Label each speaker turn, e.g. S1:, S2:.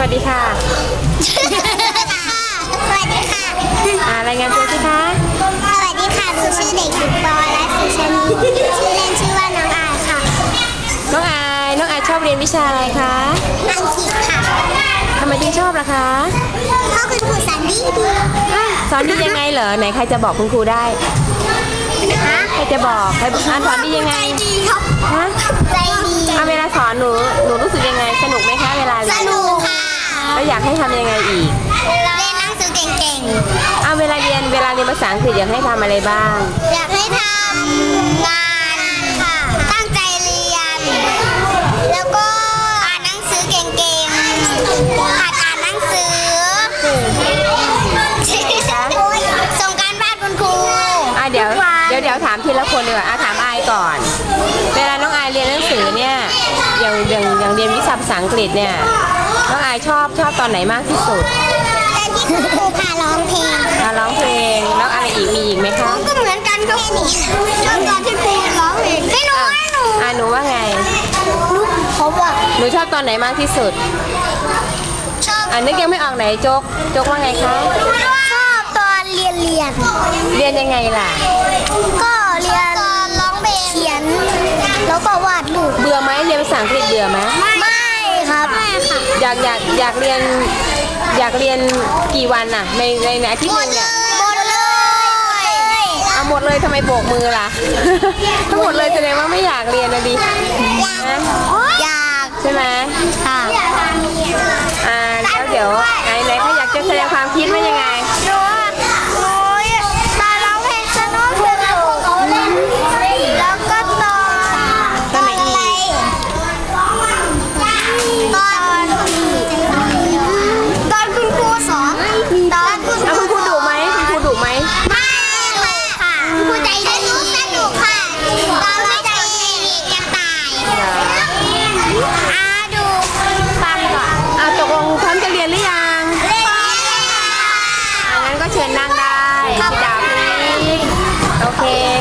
S1: วัสดีค่ะ
S2: สวัสดีค่ะ
S1: รายงานตัวสิคะ
S2: สวัสดีค่ะหนูชื่อเด็กหญิงปวรัตน์สุชานีชื่อเล่นชื่อว่าน้องอายค่ะ
S1: น้องอายชอบเรียนวิชาอะไรคะ
S2: อังกฤษค่ะ
S1: ทำไมถึงชอบล่ะคะ
S2: พ่อคุณครูสอนดี
S1: สอนดียังไงเหรอไหนใครจะบอกคุณครูได้ใครจะบอกใครสอนดียังไง
S2: ใจดีครับ
S1: ฮะ
S2: ใจดี
S1: เวลาสอนหนูรู้สึกยังไงสนุกไหมคะเวลา
S2: ส
S1: เรียน
S2: นุกค่ะ
S1: แล้วอยากให้ทำยังไงอีก
S2: เรียนหนังสือเก่ง
S1: เวลาเรียนภาษาอังกฤษอยากให้ทำอะไรบ้าง
S2: ๆอยากให้ทำงานค่ะตั้งใจเรียน แล้วก็อ่านหนังสือเก่งๆหัดอ่านหนังสือส่งการบ้านคุณครู
S1: เดี๋ยวถามทีละคนดีกว่าถามอายก่อน เวลาน้องอายเรียนหนังสือเนี่ยอย่างเรียนวิชาภาษาอังกฤษเนี่ยน้องอายชอบตอนไหนมากที่สุด
S2: แต่ที่คุณครูพาร้องเพลง
S1: ร้องเพลงแล้วอะไรอีกมีอีกไหมคะ
S2: ก็เหมือนกันครับชอบตอนที่ครูร้องเพลงไม่รู้ว่าหนู
S1: หนูว่าไง
S2: เขาบอก
S1: หนูชอบตอนไหนมากที่สุด
S2: ชอบ
S1: นึกยังไม่ออกไหนโจ๊กว่าไงคะ
S2: ชอบตอนเรียน
S1: เรียนยังไงล่ะ
S2: ก็เรียนตอนร้องเพลงเขียนแล้วก็วาดรูป
S1: เบื่อไหมเรียนภาษาอังกฤษเบื่อไหม
S2: ไม่ครับไม่ค่ะ
S1: อยากเรียนกี่วันน่ะในอาทิตย์หนึงเนี่ย
S2: หมดเลย
S1: เอาหมดเลยทำไมโบกมือล่ะ ทั้งหมดเลยแสดงว่าไม่อยากเรียนนะดินะ
S2: อยาก
S1: ใช่ไหม
S2: ค่ะ
S1: แล้วเดี๋ยวไหนเขาอยากจะแสดงความคิดว่ายังไง
S2: หนูตอนร้องเพลงสนุกแล้วก็ตอนไหนอีกตอนคุณครูสอนตอนคุณ
S1: คุณครูดุไหม
S2: ไม่ค่ะคุณครูใจดีสนุกค่ะตอนไม่ใจดีจะตายดูฟังก่อน
S1: ตกลงพร้อมจะเรียนหรือยังงั้นก็เชิญนั่งได้พี่ดาวพี่โอเค